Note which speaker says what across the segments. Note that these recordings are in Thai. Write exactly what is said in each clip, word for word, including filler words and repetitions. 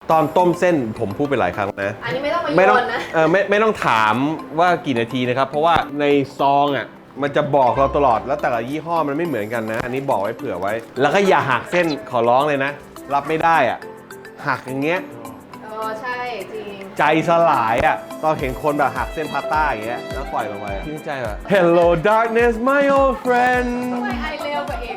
Speaker 1: ตอนต้มเส้นผมพูดไปหลายครั้งนะ
Speaker 2: อันนี้ไม่ต้องมา
Speaker 1: ไม่ต้อง
Speaker 2: โยนนะ
Speaker 1: เออไม่ไม่ต้องถามว่ากี่นาทีนะครับเพราะว่าในซองอ่ะมันจะบอกเราตลอดแล้วแต่ละยี่ห้อมันไม่เหมือนกันนะ อันนี้บอกไว้เผื่อไว้ แล้วก็อย่าหักเส้นขอร้องเลยนะ รับไม่ได้อ่ะหักอย่างเงี้ย
Speaker 2: เออใช่จริง
Speaker 1: ใจสลายอ่ะตอนเห็นคนแบบหักเส้นพาสต้าอย่างเงี้ยแล้วปล่อยลงไปชื่นใจแบบ Hello darkness my old friend
Speaker 2: ทำไมไอเร็วกว่าเอง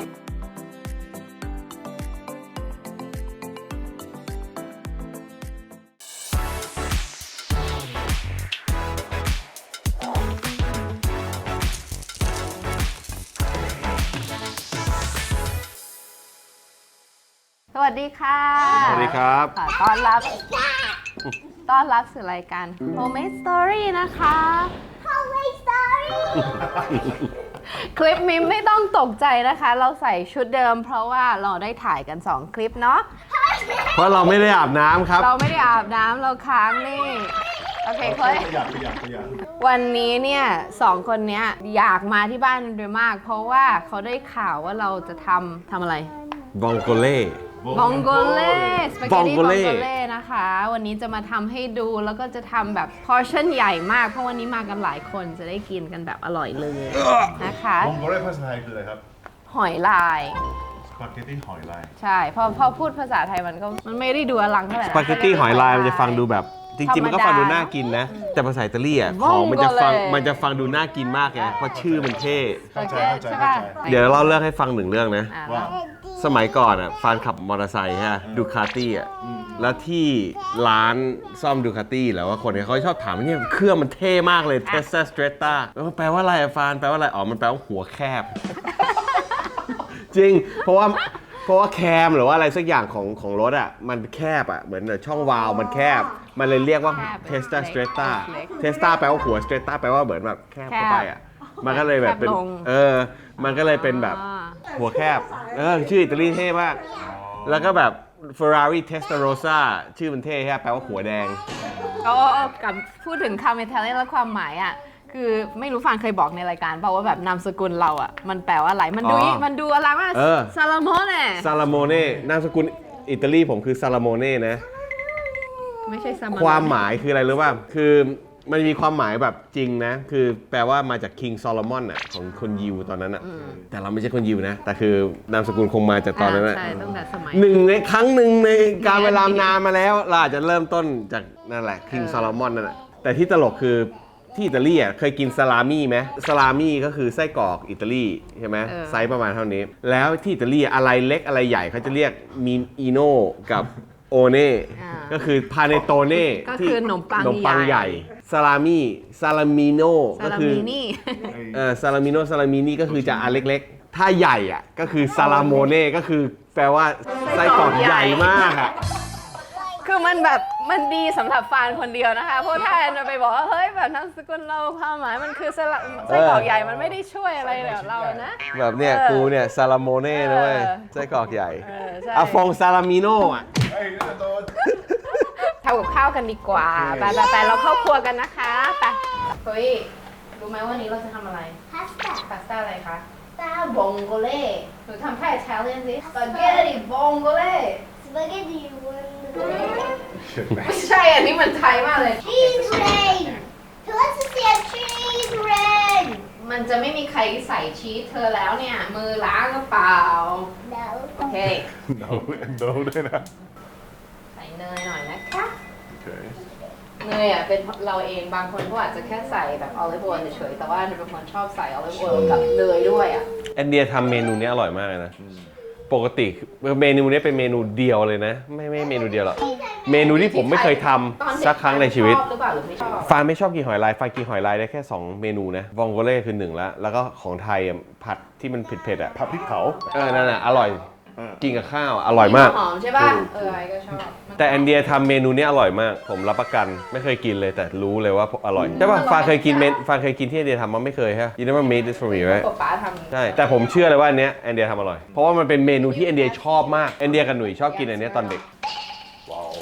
Speaker 2: สวัสดีค่ะ
Speaker 1: สวัสดีครับ
Speaker 2: ขอต้อนรับ ต้อนรับสู่รายการ Homemade Story นะคะ Homemade Story คลิปนี้ไม่ต้องตกใจนะคะ เราใส่ชุดเดิมเพราะว่าเราได้ถ่ายกันสองคลิปเนาะ
Speaker 1: เพราะเราไม่ได้อาบน้ำครับ
Speaker 2: เราไม่ได้อาบน้ำเราค้างนี่ โอเคเคยวันนี้เนี่ยสองคนเนี้ยอยากมาที่บ้านโดยมาก เพราะว่าเขาได้ข่าวว่าเราจะทำทำอะไร
Speaker 1: บองโกเล่
Speaker 2: บองโกเล่สปาเกตตี้บอง
Speaker 1: Bongole
Speaker 2: โกเล่นะคะ วันนี้จะมาทำให้ดูแล้วก็จะทำแบบพอร์ชั่นใหญ่มากเพราะวันนี้มากันหลายคนจะได้กินกันแบบอร่อยเลยนะคะ
Speaker 3: มองโกเล่ภาษาไทยคืออะไรครับ
Speaker 2: หอยลาย
Speaker 3: สปาเกตตี้หอยลาย
Speaker 2: ใช่พอพอพูดภาษาไทยมันก็มันไม่ได้ดูอลังเท่าไหร่
Speaker 1: ส
Speaker 2: นะ
Speaker 1: ปาเกตตี้หอยลายมันจะฟังดูแบบจริงๆมันก็ฟังดูน่ากินนะ แต่ภาษาอิตาลีอ่ะของมันจะฟังมันจะฟังดูน่ากินมากไงเพราะชื่อมันเท่
Speaker 2: โอเค
Speaker 3: เข้าใจ
Speaker 2: ใช่
Speaker 3: เข้า
Speaker 2: ป่ะ
Speaker 3: ใจ
Speaker 1: เดี๋ยวเราเลือกให้ฟังหนึ่งเรื่องนะ
Speaker 2: อ่ะ
Speaker 3: ว่า
Speaker 1: สมัยก่อนอ่ะฟานขับมอเตอร์ไซค์ฮะดูคาตี้อ่ะแล้วที่ร้านซ่อมดูคาตี้แล้วว่าคนเนี่ยเขาชอบถามว่าเนี่ยเครื่องมันเท่มากเลย Tesla Stretta แล้วแปลว่าอะไรอะฟานแปลว่าอะไรอ๋อมันแปลว่าหัวแคบ จริงเพราะว่าเพราะว่าแคมหรือว่าอะไรสักอย่างของของรถอ่ะมันแคบอ่ะเหมือนช่องวาล์วมันแคบ มันเลยเรียกว่า Tesla Stretta Tesla แปลว่าหัว Stretta แปลว่าเหมือนแบบแคบเข้าไปอ่ะมันก็เลยแบบเป็นเออมันก็เลยเป็นแบบ หัวแคบ เออ ชื่ออิตาลีเท่มาก แล้วก็แบบ Ferrari Testarossa ชื่อมันเท่ฮะแปลว่าหัวแดง
Speaker 2: โอ้กับพูดถึงคำอิตาเลียนแล้วความหมายอ่ะคือไม่รู้ฟังเคยบอกในรายการเปล่าว่าแบบนามสกุลเราอ่ะมันแปลว่าอะไรมันดู
Speaker 1: อ๋อ
Speaker 2: มันดูอะไรว่า
Speaker 1: เออ
Speaker 2: ซาลาโมเน่
Speaker 1: ซาลาโมเน่นามสกุลอิตาลีผมคือซาลาโมเน่นะ
Speaker 2: ไม่ใช่ซามา
Speaker 1: ความหมายคืออะไรรู้ป่ะ คือมันมีความหมายแบบจริงนะ คือแปลว่ามาจากคิงซอโลมอนอ่ะของคนยิวตอนนั้นอ่ะ แต่เราไม่ใช่คนยิวนะ แต่คือนามสกุลคงมาจากตอนนั้นอ่ะ
Speaker 2: ใช่ตั้งแต่สมัย
Speaker 1: หนึ่งในครั้งหนึ่งในการเวลานานมาแล้วเราอาจจะเริ่มต้นจากนั่นแหละคิงซอโลมอนนั่นแหละแต่ที่ตลกคือที่อิตาลีอ่ะเคยกินซาลามี่ไหมซาลามี่ก็คือไส้กรอกอิตาลีใช่ไหม
Speaker 2: เออ
Speaker 1: ไซส์ประมาณเท่านี้ แล้วที่อิตาลีอะไรเล็กอะไรใหญ่เขาจะเรียกมินอิโน่กับโอเน่ก็คือพาเนโตเน่
Speaker 2: ก็คือขนมปัง
Speaker 1: ขนมปังใหญ่ซาลามี่ซาลามิโน่
Speaker 2: ซา
Speaker 1: ก็
Speaker 2: ลา
Speaker 1: คือ
Speaker 2: มินี่
Speaker 1: เออซาลามิโน่ซาลามินี่ก็คือจะอันเล็กๆ ถ้าใหญ่อ่ะก็คือซาลาโมเน่ก็คือแปลว่าไส้กรอกใหญ่มากอ่ะ
Speaker 2: คือมันแบบมันดีสำหรับฟานคนเดียวนะคะเพราะถ้าแอนจะไปบอกว่าเฮ้ยแบบนามสกุลเราความหมายมันคือสละไส้กรอกใหญ่มันไม่ได้ช่วยอะไรแบบเรานะ
Speaker 1: แบบเนี่ย
Speaker 2: เออ
Speaker 1: กูเนี่ยซาลาโมเน่นะเว้ย
Speaker 2: เออ
Speaker 1: ไส้กรอกใหญ่
Speaker 2: เออใช่
Speaker 1: อะฟองซาลามิโน่อ่ะ
Speaker 3: เฮ้ยน่าโดน
Speaker 2: ทำกับข้าวกันดีกว่าไปไปไปเราเข้าครัวกันนะคะไปเฮ้ยรู้ไหมวันนี้เราจะทำอะไร
Speaker 4: พาสต้า
Speaker 2: พาสต้าอะไรคะ
Speaker 4: ตา
Speaker 2: บองโกเล่หนูทำท่าอิตาเลียนสิสปาเกตตี้บองโกเล่
Speaker 4: สปาเกตตี้วัน
Speaker 2: ไม่ใช่อันนี้มันไทยมากเลย
Speaker 4: ชีสเรนเธอจะเสียชีสเรน
Speaker 2: มันจะไม่มีใครใส่ชีสเธอแล้วเนี่ย มือล้างกระเป๋า
Speaker 4: เดี๋ยว
Speaker 2: โอเค
Speaker 3: โดนโดนด้วยนะ
Speaker 2: ใส่เนยหน่อยนะคะ
Speaker 3: โอเค
Speaker 2: เนยอ่ะเป็นเราเองบางคนก็อาจจะแค่ใส่แบบออลิฟออยล์เฉยๆแต่ว่าหนูเป็นคนชอบใส่ออลิฟออยล์กับเนยด้วยอ่ะ
Speaker 1: แอนเดียทำเมนูนี้อร่อยมากเลยนะ ปกติเมนูนี้เป็นเมนูเดียวเลยนะ ไม่ไม่เมนูเดียวหรอก เมนูที่ผมไม่เคยทำสักครั้งในชีวิต
Speaker 2: ชอบหรือเปล่าหรือไม่ชอบ
Speaker 1: ฟานไม่ชอบกินหอยลายฟานกินหอยลายได้แค่สองเมนูนะวองโกเล่คือหนึ่งละแล้วก็ของไทยอ่ะผัดที่มันเผ็ดๆอ่ะ
Speaker 3: ผัดพริกเผา
Speaker 1: เออนั่นน่ะอร่อย
Speaker 3: อ่า
Speaker 1: กินกับข้าวอ่ะอร่อยมาก
Speaker 2: หอมใช่ป่ะเออไอ้ก็ชอบ
Speaker 1: แต่แอนเดียทำเมนูนี้อร่อยมาก ผมรับประกันไม่เคยกินเลยแต่รู้เลยว่าอร่อยใช่ป่ะฟานเคยกินเมนฟานเคยกินที่แอนเดียทำมันไม่เคยฮะ You never made this for me right
Speaker 2: ป๊าป๊าทำ
Speaker 1: ใช่แต่ผมเชื่อเลยว่าอันเนี้ยแอนเดียทำอร่อยเพราะว่ามันเป็นเมนูที่แอนเดียชอบมากแอนเดียกับหนุ่ยชอบกินอันเนี้ยตอนเด็ก
Speaker 3: ว้าว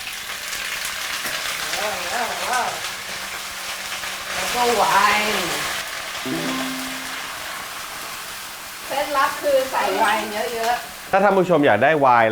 Speaker 2: แล้วก็ไวน์เคล็ดลับคือใส่ไวน์เยอะ
Speaker 1: ถ้าท่านผู้ชมอยากได้ไวน์แล้ว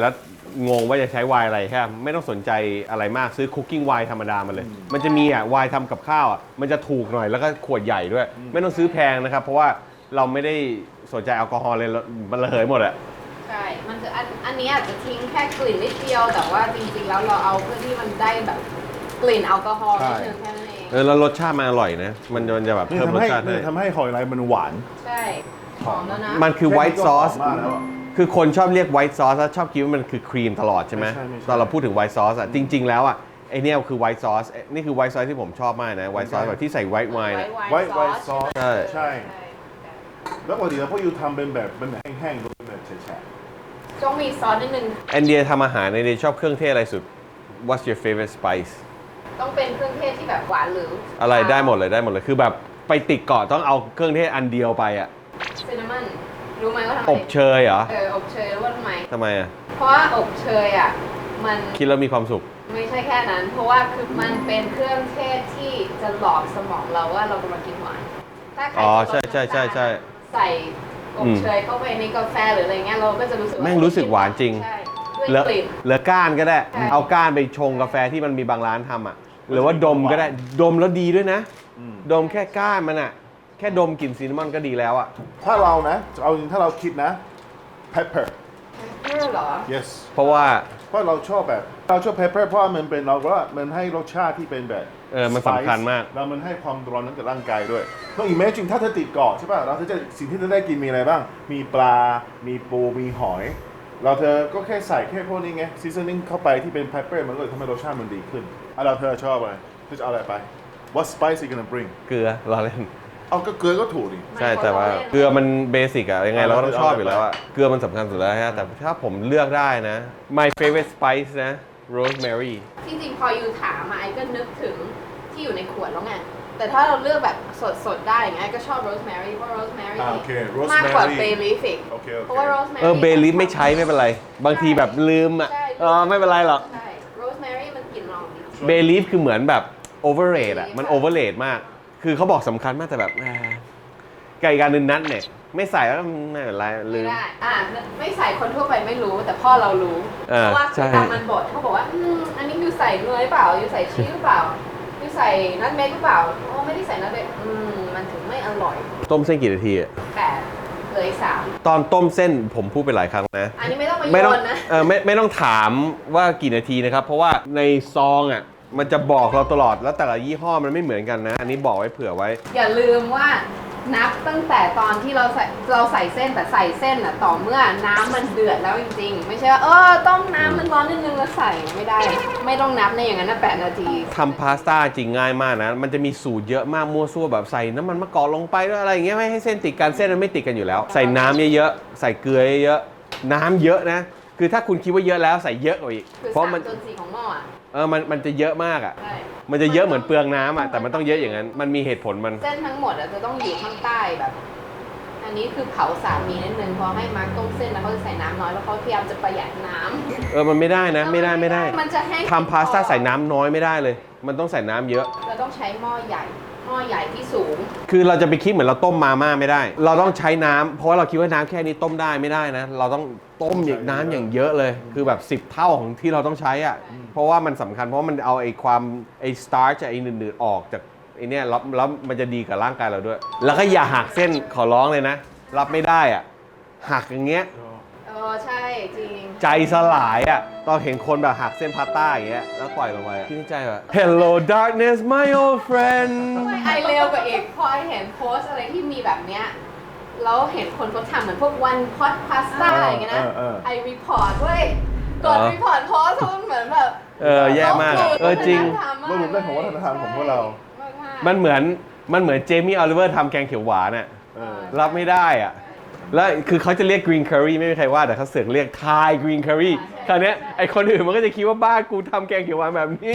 Speaker 1: งงว่าจะใช้ไวน์อะไรแค่ไม่ต้องสนใจอะไรมากซื้อคุกกิ้งไวน์ธรรมดามาเลย มันจะมีอ่ะไวน์ทำกับข้าวอ่ะมันจะถูกหน่อยแล้วก็ขวดใหญ่ด้วย ไม่ต้องซื้อแพงนะครับเพราะว่าเราไม่ได้สนใจแอลกอฮอล์เลยมันระเหยหมดอะ
Speaker 2: ใช่ มันจะอันอันนี้อาจจะทิ้งแค่กลิ่นนิดเดียวแต่ว่าจริงๆแล้วเราเอาเพื่อที่มันได้แบบกลิ่นแอลกอฮอล์นิดนึงแค่นั้นเอง
Speaker 1: เออแล้วรสชาติมันอร่อยนะมันมันจะแบบ
Speaker 3: นี่
Speaker 1: เพิ่ม
Speaker 3: ทำ
Speaker 1: รส
Speaker 3: ให้
Speaker 1: ชาติให้
Speaker 3: นี่ทำให้หอยลายมันหวาน
Speaker 2: ใช่หอมแล้วนะ
Speaker 1: มันคือไวท์ซอส
Speaker 3: แค่นี้ก็หอมมากแล้วอะ
Speaker 1: คือคนชอบเรียกไวท์ซอสแล้วชอบคิดว่ามันคือครีมตลอดใช่ไหม
Speaker 3: ไม่ใช่ไม่ใช่
Speaker 1: ตอนเราพูดถึงไวท์ซอสอ่ะจริง ๆ แล้วอ่ะไอเนี้ยคือไวท์ซอสนี่คือไวท์ซอสที่ผมชอบมากนะไวท์ซอสแบบที่ใส่ไวท์ไวน์นะ
Speaker 3: ไวท์ไวท์ซอส
Speaker 1: ใช่
Speaker 3: ใช่ แล้วปกติแล้วพวกยูทำเป็นแบบเป็นแห้งๆหรือเป็นแบบแฉะ
Speaker 2: ต้องมีซอสนิดนึง
Speaker 1: แอนเดียทำอาหารในเดียชอบเครื่องเทศอะไรสุด What's your favorite spice
Speaker 2: ต้องเป็นเครื่องเทศที่แบบหวานหรือ
Speaker 1: อะไรได้หมดเลยได้หมดเลยคือแบบไปติดเกาะต้องเอาเครื่องเทศอันเดียวไปอ่ะ
Speaker 2: ซินนามอนรู้ไหมว่าทำไม
Speaker 1: อบเชยเหรอ
Speaker 2: เอออบเชยรู้ว่าทำไม
Speaker 1: ทำไมอ่ะ
Speaker 2: เพราะว่าอบเชยอ่ะมัน
Speaker 1: คิดแล้วมีความสุข
Speaker 2: ไม่ใช่แค่นั้น เพราะว่าคือมันเป็นเครื่องเทศที่จะหลอกสมองเราว่าเรากำลังกินหวานถ้าใคร
Speaker 1: อ๋อ
Speaker 2: จะลด
Speaker 1: ใช่ใช่ใช่ใช่
Speaker 2: น้ำตาลใส่อบเชยเข้าไปในกาแฟหรืออะไรเงี้ยเราก็จะรู้สึกว่า
Speaker 1: แม่งรู้สึกหวานจริง
Speaker 2: ใช่
Speaker 1: เหลื
Speaker 2: ด้ว
Speaker 1: อย
Speaker 2: กลิ่น
Speaker 1: เหลือก้านก็ได้
Speaker 2: ใช่
Speaker 1: เอาก้านไปชงกาแฟที่มันมีบางร้านทำอ่ะ หรือว่าดมก็ได้ ดมแล้วดีด้วยนะ ดมแค่ก้านมันอ่ะ แค่ดมกลิ่นซินนามอนก็ดีแล้วอ่ะ
Speaker 3: ๆถ้าเรานะเอาจริงถ้าเราคิดนะ pepper
Speaker 2: เพื่อเหรอ
Speaker 3: yes
Speaker 1: เพราะว่า
Speaker 3: เพราะเราชอบแบบเราชอบ pepper เพราะว่ามันเป็นเราว่ามันให้รสชาติที่เป็นแบบ
Speaker 1: เออมันสำคัญมาก
Speaker 3: แล้วมันให้ความร้อนนั้นกับร่างกายด้วยต้อง imagine ถ้าเธอติดเกาะใช่ป่ะเราจะสิ่งที่เธอได้กินมีอะไรบ้าง มีปลา มีปู มีหอย เราเธอก็แค่ใส่แค่พวกนี้ไง seasoning เข้าไปที่เป็น pepper มันก็เลยทำให้รสชาติมันดีขึ้นอ่ะเราเธอชอบอะไรเธอจะเอาอะไรไป what spice are you gonna bring
Speaker 1: เกลือรอเล่น
Speaker 3: เอาก็เกลือก็ถูกดิ
Speaker 1: ใช่แต่ว่าเกลือมันเบสิกอะยังไงเราก็ต้องชอบอยู่แล้วอะเกลือมันสำคัญสุดแล้วฮะแต่ถ้าผมเลือกได้นะ my favorite spice นะ rosemary
Speaker 2: ที่จริงพอยูถามมาไอ้ก็นึกถึงที่อยู่ในขวดแล้วไง แต่ถ้าเราเลือกแบบสดๆได้อย่างเงี้ยก็ชอบโรสแมรี่เพราะโรสแมรี่
Speaker 3: อ่าโอเค
Speaker 2: มากกว่า
Speaker 3: rosemary
Speaker 2: เบลีฟอีก
Speaker 3: โอเคโอเค
Speaker 2: เพราะว่าโรสแมรี่
Speaker 1: เออเบลิฟไม่ใช้ไม่เป็นไร บางทีแบบลืมอะ
Speaker 2: ใช่
Speaker 1: เออไม่เป็นไรหรอก
Speaker 2: ใช่โรสแมรี่มันกลิ่นหอมดี
Speaker 1: เบลีฟคือเหมือนแบบ overrate อะมัน overrate มาก คือเขาบอกสำคัญมากแต่แบบแหมไก่การนึงนัดเนี่ยไม่ใส่แล้วไม่เป็นไรลื
Speaker 2: ไม่
Speaker 1: ม
Speaker 2: ได้อ่าไม่ใส่คนทั่วไปไม่รู้แต่พ่อเรารู้
Speaker 1: เออ
Speaker 2: เพราะว่า
Speaker 1: ใช่
Speaker 2: คือตามมันบดเขาบอกว่าอืมอันนี้ยูใส่เนยเปล่ายูใส่ชีสหรือเปล่ายูใส่นัทเมกหรือเปล่าโอ้ไม่ได้ใส่นัทเมกอืมมันถึงไม่อร่อย
Speaker 1: ต้มเส้นกี่นาทีอะ
Speaker 2: แปดเหลยสาม
Speaker 1: ตอนต้มเส้นผมพูดไปหลายครั้งนะ
Speaker 2: อันนี้ไม่ต้องมา
Speaker 1: ไม่
Speaker 2: โย
Speaker 1: ต้อง
Speaker 2: นนะ
Speaker 1: เออไม่ไม่ต้องถามว่ากี่นาทีนะครับ เพราะว่าในซองอ่ะมันจะบอกเราตลอดแล้วแต่ละยี่ห้อมันไม่เหมือนกันนะ อันนี้บอกไว้เผื่อไว้
Speaker 2: อย่าลืมว่านับตั้งแต่ตอนที่เราใส่เราใส่เส้นแต่ใส่เส้นอ่ะต่อเมื่อน้ำมันเดือดแล้วจริงๆ ไม่ใช่ว่าเออต้มน้ำมันร้อนนิดนึงแล้วใส่ไม่ได้ ไม่ต้องนับในอย่างนั้นนะแปดนาที
Speaker 1: ทำพาสต้าจริงง่ายมากนะ มันจะมีสูตรเยอะมากมั่วซั่วแบบใส่น้ำมันมะกอกลงไปแล้วอะไรอย่างเงี้ยไม่ให้เส้นติดกันเส้นมันไม่ติดกันอยู่แล้ว ใส่น้ำเยอะๆใส่เกลือเยอะๆน้ำเยอะนะ คือถ้าคุณคิดว่าเยอะแล้วใส่เยอะกว่าอีก
Speaker 2: คือ
Speaker 1: เพราะ
Speaker 2: สาม
Speaker 1: มัน
Speaker 2: จนสี่ของหม้ออ่ะ
Speaker 1: เออมันมันจะเยอะมากอ่ะ
Speaker 2: ใช่
Speaker 1: มันจะเยอะเหมือนเปลืองน้ำอ่ะแต่มันต้องเยอะอย่างนั้นมันมีเหตุผลมัน
Speaker 2: เส้นทั้งหมดอ่ะจะต้องอยู่ข้างใต้แบบ อันนี้คือเผาสามีนิดนึงพอให้มาร์กต้มเส้นแล้วเขาจะใส่น้ำน้อยแล้วเขาพยายามจะประหยัดน้ำ
Speaker 1: เออมันไม่ได้นะไม่ได้ไม่ได้
Speaker 2: มันจะแห้ง
Speaker 1: ทำพาสต้าใส่น้ำน้อยไม่ได้เลย มันต้องใส่น้ำเยอะ
Speaker 2: เราต้องใช้หม้อใหญ่หม้อใหญ่ที่สูง
Speaker 1: คือเราจะไปคิดเหมือนเราต้มมาม่าไม่ได้ เราต้องใช้น้ำเพราะว่าเราคิดว่าน้ำแค่นี้ต้มได้ไม่ได้นะ เราต้องต้มอย่างน้ำอย่างเยอะเลย คือแบบสิบเท่าของที่เราต้องใช้อ่ะ เพราะว่ามันสำคัญเพราะว่ามันเอาไอ้ความไอ้สตาร์ชไอ้หนืดๆออกจากไอ้เนี่ยแล้วแล้วมันจะดีกับร่างกายเราด้วย แล้วก็อย่าหักเส้นขอร้องเลยนะ รับไม่ได้อ่ะ หักอย่างเงี้ย
Speaker 2: เออใช่จริง
Speaker 1: ใจสลายอ่ะ ตอนเห็นคนแบบหักเส้นพาสต้าอย่างเงี้ย แล้วปล่อยลงไปอะคิดในใจแบบ Hello darkness my old friend
Speaker 2: ไม่ไอเร็วกว่าอีกพอไอเห็นโพสอะไรที่มีแบบเนี้ยแล้วเห็นคนเขาทำเหมือนพวกวันพอดพาสต้าอะไรอย่างเงี้ยนะ
Speaker 3: เออเออ
Speaker 2: ไอรีพอร์ตเว้ยกด
Speaker 1: อ๋อ
Speaker 2: รีพอร์ตโพสมันเหมือนแบบ
Speaker 1: เออแย่มากอะเออจริง
Speaker 3: เราหลุดเรื่องของวัฒนธรรมของพวกเรา
Speaker 1: มันเหมือนมันเหมือนเจมี่ออลิเวอร์ทำแกงเขียวหวานอ่ะ
Speaker 3: เออ
Speaker 1: รับไม่ได้อ่ะ แล้วคือเขาจะเรียก green curry ไม่มีใครว่าแต่เขาเสือกเรียก Thai green curry คราวเนี้ยไอคนอื่นมันก็จะคิดว่าบ้านกูทำแกงเขียวหวานแบบนี้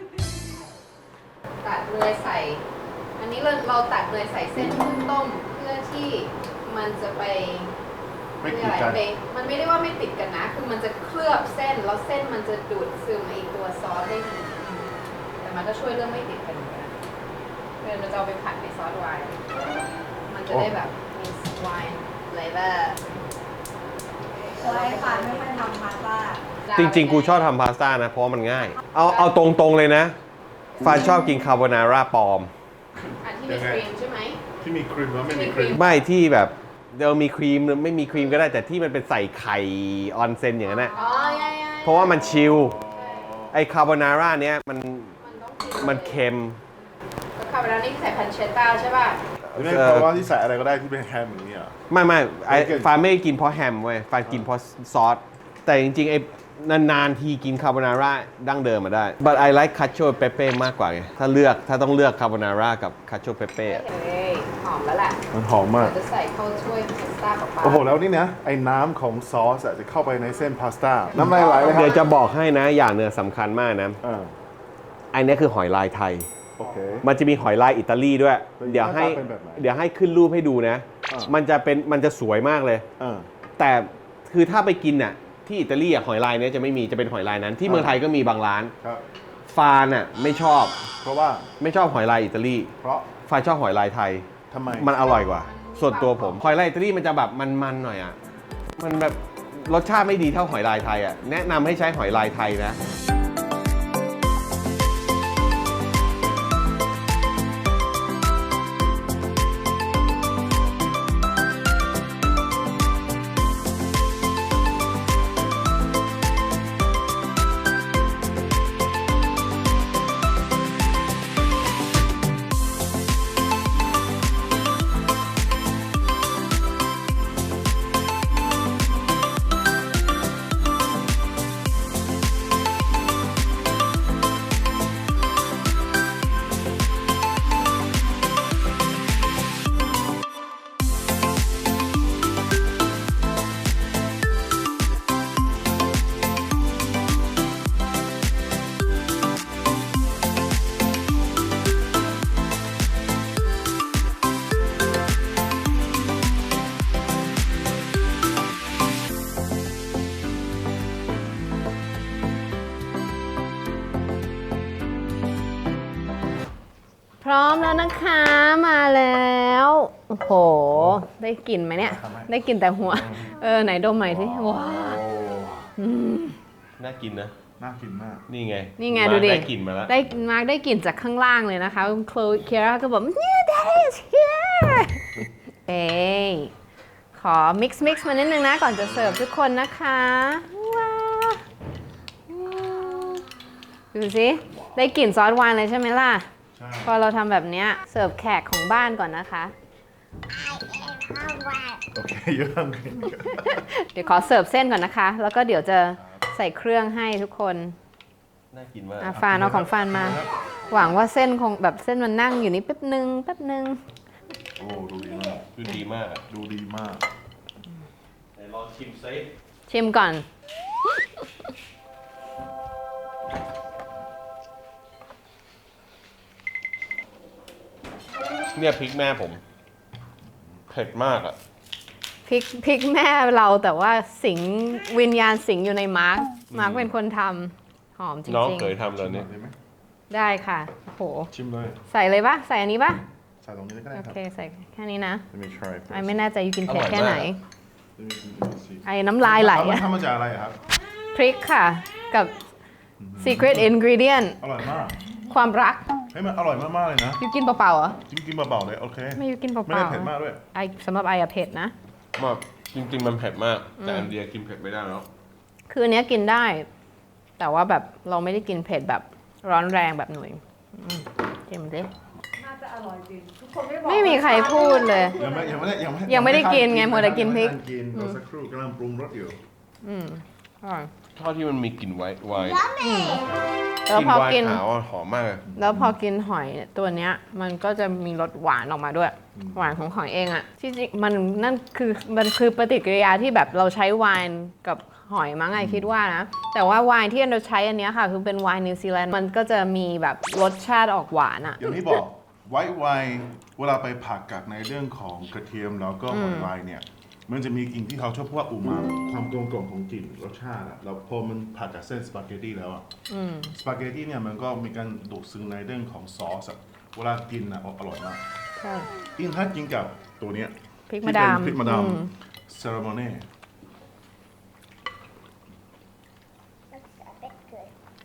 Speaker 2: ตัดเลยใส่ อันนี้เราเราตัดเลยใส่เส้นขึ้นต้มเพื่อที่มันจะไป
Speaker 3: ไม่ติดกัน
Speaker 2: เรียอะไรมันไม่ได้ว่าไม่ติดกันนะ คือมันจะเคลือบเส้นแล้วเส้นมันจะดูดซึมไอตัวซอสได้ดีแต่มันก็ช่วยเรื่องไม่ติดกันเหมือนกันเดี๋ยวเราจะเอาไปผัดในซอสไวน์มันจะได้แบบมีไวน์เลเวอร์
Speaker 5: ใช่ค่ะไม่ค่อยทำพาสต้า
Speaker 1: จริงๆ กูชอบทำพาสต้านะ เพราะมันง่าย เอาเอาตรงๆเลยนะฟานชอบกินคาโบนาร่าปลอม
Speaker 2: อันที่มีครีมใช่ไหม
Speaker 3: ที่มีครีมแล้วไม่มีครีม
Speaker 1: ไม่ที่แบบเดี๋ยวมีครีมหรือไม่มีครีมก็ได้แต่ที่มันเป็นใส่ไข่ออนเซนอย่างนั้นนะ
Speaker 2: อ๋อใช่ๆ
Speaker 1: เพราะว่ามันชิลไอคาโบนาร่าเนี้ยมัน
Speaker 2: มันต้องกิน
Speaker 1: มันเค็ม
Speaker 2: แล้วคาร์โบนาร่านี่ใส่พันเชตต้าใช่ป่ะ
Speaker 3: หรือไม่เพราะว่าที่ใส่อะไรก็ได้ที่เป็นแฮมอย่างนี้อ่ะ
Speaker 1: ไม่ไม่ไอ
Speaker 3: ไม่เกิน
Speaker 1: ฟานไม่ได้กินเพราะแฮมเว้ยฟานกินเพราะซอส แต่จริงๆไอนานๆทีกินคาโบนาร่าดั้งเดิมมาได้ but I like cacio e pepe มากกว่าไงถ้าเลือกถ้าต้องเลือกคาโบนาร่ากับ cacio e pepe อะ
Speaker 2: เฮ้ยหอมแล้วแหละ
Speaker 3: มันหอมมาก
Speaker 2: จะใส่เข้าถ้วยพาสต้ากับปลา
Speaker 3: โอ้โห แล้วนี่นะ ไอ้น้ำของซอสอะจะเข้าไปในเส้นพาสต้า น้ำลายไหลเลยครั
Speaker 1: เดี๋ยวจะบอกให้นะอย่างเนื้อสำคัญมากนะ
Speaker 3: อ่า
Speaker 1: อันนี้คือหอยลายไทย
Speaker 3: โอเค
Speaker 1: มันจะมีหอยลายอิตาลีด้วย
Speaker 3: เป็น
Speaker 1: เดี๋ยวให้
Speaker 3: หน้าตาเป็นแบบไหน
Speaker 1: เดี๋ยวให้ขึ้นรูปให้ดูนะ
Speaker 3: อ่ามั
Speaker 1: มันจะเป็นมันจะสวยมากเลย
Speaker 3: อ่า
Speaker 1: แต่คือถ้าไปกินน่ะที่อิตาลีอ่ะหอยลายเนี้ยจะไม่มีจะเป็นหอยลายนั้น ที่เมืองไทยก็มีบางร้าน
Speaker 3: ครับ
Speaker 1: ฟานอ่ะไม่ชอบ
Speaker 3: เพราะว่า
Speaker 1: ไม่ชอบหอยลายอิตาลี
Speaker 3: เพราะ
Speaker 1: ฟานชอบหอยลายไทย
Speaker 3: ทำไม
Speaker 1: มันอร่อยกว่า ส่วนตัวผมหอยลายอิตาลีมันจะแบบมันๆหน่อยอ่ะมันแบบรสชาติไม่ดีเท่าหอยลายไทยอ่ะแนะนำให้ใช้หอยลายไทยนะ
Speaker 2: พร้อมแล้วนะคะมาแล้ว โอ้โห ได้กลิ่นไหมเนี่ย ได้กลิ่นแต่หัว เออ ไหนดมใหม่สิว้าว
Speaker 3: โอ้
Speaker 1: น่ากินนะ
Speaker 3: น่ากินมาก
Speaker 1: นี่ไง
Speaker 2: นี่ไง
Speaker 1: มา
Speaker 2: ดูดิ
Speaker 1: ได้กลิ่นมาแล้ว
Speaker 2: ได้มาร์กได้กลิ่นจากข้างล่างเลยนะคะโคลเคียร่าก็บอกเนี่ย that is here เอ้ยขอ mix mix มานิดนึงนะ ก่อนจะเสิร์ฟทุกคนนะคะว้าวดูสิได้กลิ่นซอสไวน์เลยใช่ไหมล่ะ
Speaker 3: ใช่
Speaker 2: พอเราทำแบบเนี้ยเสิร์ฟแขกของบ้านก่อนนะคะ
Speaker 3: โอเคเยอะมาก
Speaker 2: เดี๋ยวขอเสิร์ฟเส้นก่อนนะคะ แล้วก็เดี๋ยวจะใส่เครื่องให้ทุกคน
Speaker 1: น่ากินมาก
Speaker 2: อ่ะฟานเอาของฟานมา หวังว่าเส้นคงแบบเส้นมันนั่งอยู่นี่แป๊บนึงแป๊บนึง
Speaker 3: โอ้ดูดีมาก
Speaker 1: ดูดีมากอะ
Speaker 3: ดูดีมาก
Speaker 1: ไหนลองชิมซิ
Speaker 2: ชิมก่อน
Speaker 1: เนี่ยพริกแม่ผม เผ็ดมากอ่ะ
Speaker 2: พริกพริกแม่เราแต่ว่าสิงวิญญาณสิงอยู่ในมาร์คมาร์คเป็นคนทำหอมจริง
Speaker 1: น้อง
Speaker 2: ๆ
Speaker 1: เคยทำตอนนี้
Speaker 3: ได้ไหม
Speaker 2: ได้ค่ะโอ้โห
Speaker 3: ชิมเลย
Speaker 2: ใส่เลยปะใส่อันนี้ปะ
Speaker 3: ใส่ตรงนี้ก็ได้
Speaker 2: โอ
Speaker 3: ครับ
Speaker 2: เคใส่แค่นี้นะ
Speaker 3: Let me try
Speaker 2: ไอไม่แน่ใจอยู่กินเผ็ดแค่ไหน
Speaker 3: Let me see
Speaker 2: ไอน้ำลายไหล
Speaker 3: มัน
Speaker 2: อะ
Speaker 3: ทำมาจากอะไรอะครับ
Speaker 2: พริกค่ะ กับ secret ingredient
Speaker 3: อร่อยมาก
Speaker 2: ความรัก
Speaker 3: เฮ้ยมันอร่อยมากๆเลยนะ
Speaker 2: อยู่กินเปล่าๆเหรอ
Speaker 3: กินกินเบาๆเลยโอเค
Speaker 2: ไม่อยู่กินเปล่าๆ
Speaker 3: ไม่ได้เผ็ดมากด้วย
Speaker 2: ไอสำหรับไออะเผ็ดนะ
Speaker 1: มากจริงๆมันเผ็ดมาก แต่อันเดียกินเผ็ดไม่ได้แล้ว
Speaker 2: คืออันเนี้ยกินได้ แต่ว่าแบบเราไม่ได้กินเผ็ดแบบร้อนแรงแบบหนุ่ยอืมชิมดิ
Speaker 5: น่าจะอร่อยจริง ทุกคนไม่บอก
Speaker 2: ไม่มีใครพูดเลย
Speaker 3: ยังไม่ยังไม่ได้ยังไม่
Speaker 2: ยังไม่ได้กินไงมัวแต่กินพริก
Speaker 3: ยังไม่ได้กินเราสักครู่กำลังปรุงรสอยู่
Speaker 2: อืมอร่อย
Speaker 1: ทอดที่มันมีกลิ่นไวน์ไวน์
Speaker 2: แล้วพอกิน
Speaker 1: ไวน์ขาวอะหอมมากเลย
Speaker 2: แล้วพอกินหอยตัวเนี้ย มันก็จะมีรสหวานออกมาด้วย หวานของหอยเองอะที่จริงมันนั่นคือมันคือปฏิกิริยาที่แบบเราใช้ไวน์กับหอยมั้งไงคิดว่านะ แต่ว่าไวน์ที่เราใช้อันเนี้ยค่ะ คือเป็นไวน์นิวซีแลนด์มันก็จะมีแบบรสชาติออกหวานอะ
Speaker 3: อย่างที่บอกไวท์ไวน์เวลาไปผักกับในเรื่องของกระเทียมแล้วก็หอยลายเนี่ย มันจะมีกลิ่นที่เขาชอบพูดว่าอูมามิความกลมกล่อมของกลิ่นรสชาติอะแล้วพอมันผัดกับเส้นสปาเกตตี้แล้วอะสปาเกตตี้เนี่ยมันก็มีการดูดซึมในเรื่องของซอสอะเวลากินอะอร่อยมาก
Speaker 2: ใช่
Speaker 3: ยิ่งถ้ากินกับตัวเนี้ย
Speaker 2: พริก
Speaker 3: ที่
Speaker 2: มะ
Speaker 3: เป็
Speaker 2: ดาน ม
Speaker 3: พริกมะดาม
Speaker 2: อืม
Speaker 3: เซรามอเน่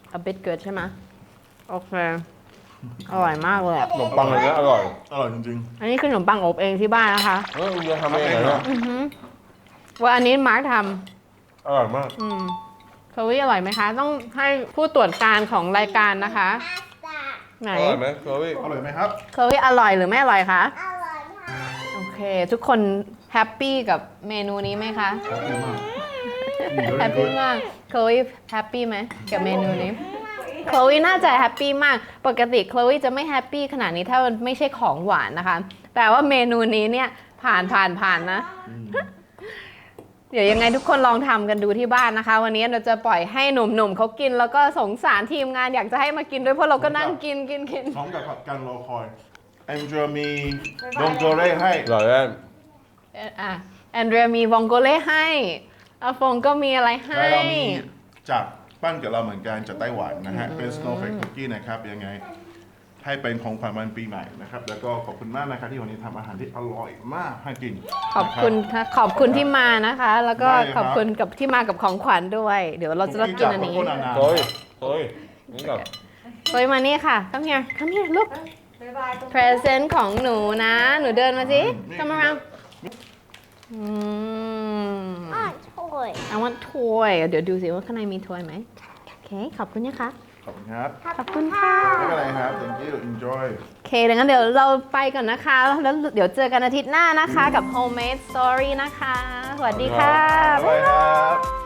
Speaker 2: a bit good ใช่ไหมโอเค อร่อยมากเลยอะ
Speaker 1: ขนมปังอะไรเงี้ยอร่อย
Speaker 3: อร่อยจริง
Speaker 2: อันนี้คือขนมปังอบเองที่บ้านนะคะ
Speaker 1: เออคุณจะทำเองเหรอเนี่ย
Speaker 2: อือหือว่าอันนี้มาร์คท
Speaker 1: อร่อยมาก
Speaker 2: ำอืมเคอรี่อร่อยไหมคะ ต้องให้ผู้ตรวจการของรายการนะคะ
Speaker 4: Pasta.
Speaker 2: ไหน
Speaker 1: อร่อยไหมโควี่
Speaker 3: ๆ อร่อยไหมครับ
Speaker 2: เคอรี่อร่อยหรือไม่อร่อยคะ
Speaker 4: I love her.
Speaker 2: โอเค ทุกคนแฮปปี้กับเมนูนี้ไหมคะ แฮปปี้มากเคอรี่แฮปปี้ไหมกับเมนูนี้เคอรี่น่าจะแฮปปี้มาก ปกติเคอรี่จะไม่แฮปปี้ขนาดนี้ถ้ามันไม่ใช่ของหวานนะคะ แต่ว่าเมนูนี้เนี่ยผ่านผ่านผ่านนะ เดี๋ยวยังไงทุกคนลองทำกันดูที่บ้านนะคะ วันนี้เราจะปล่อยให้หนุ่มๆเขากิน แล้วก็สงสารทีมงานอยากจะให้มากินด้วยเพราะเราก็นั่งกินกินกิน
Speaker 3: พร้อมกับการรอคอยแองเจลมีดองโกเร่ให้
Speaker 1: อร่อยแน่
Speaker 2: เอ่ออ่ะแอนเดรียมีวองโกเล่ให้อาฟงก็มีอะไรให้
Speaker 3: แล้วเรามีจากปั้นกับเราเหมือนกันจากไต้หวันนะฮะ เป็น snowflake cookie นะครับ ยังไง ให้เป็นของขวัญวันปีใหม่นะครับ แล้วก็ขอบคุณมากนะครับที่วันนี้ทำอาหารที่อร่อยมากให้กิน
Speaker 2: ขอบคุณ
Speaker 3: นะ
Speaker 2: ค่ะขอบคุณที่มานะคะ แล้วก็
Speaker 3: ได้เลยครับ
Speaker 2: ขอบคุณกับที่มากับของขวัญด้วย เดี๋ยวเราจะรับกินอันนี้
Speaker 3: คุกกี้จากโคโค่นานา
Speaker 1: โควี่โควี่นี่ก่อน
Speaker 2: โอยมานี่ค่ะ come here come here look
Speaker 5: บ๊ายบายตรง
Speaker 2: present ของหนูนะ หนูเดินมาสิ come around อืม
Speaker 4: On toy.
Speaker 2: I want toy เดี๋ยวดูสิว่าข้างในมี toy ไหมโอเค ขอบคุณนะคะ
Speaker 3: ขอบคุณครับ
Speaker 2: ขอบคุณค่ะ
Speaker 3: ไม่เป็นไรครับ thank you enjoy
Speaker 2: โอเคดังนั้นเดี๋ยวเราไปก่อนนะคะ แล้วเดี๋ยวเจอกันอาทิตย์หน้านะคะกับ homemade story นะคะ สวัสดีค่ะ
Speaker 3: บ๊ายบายครับ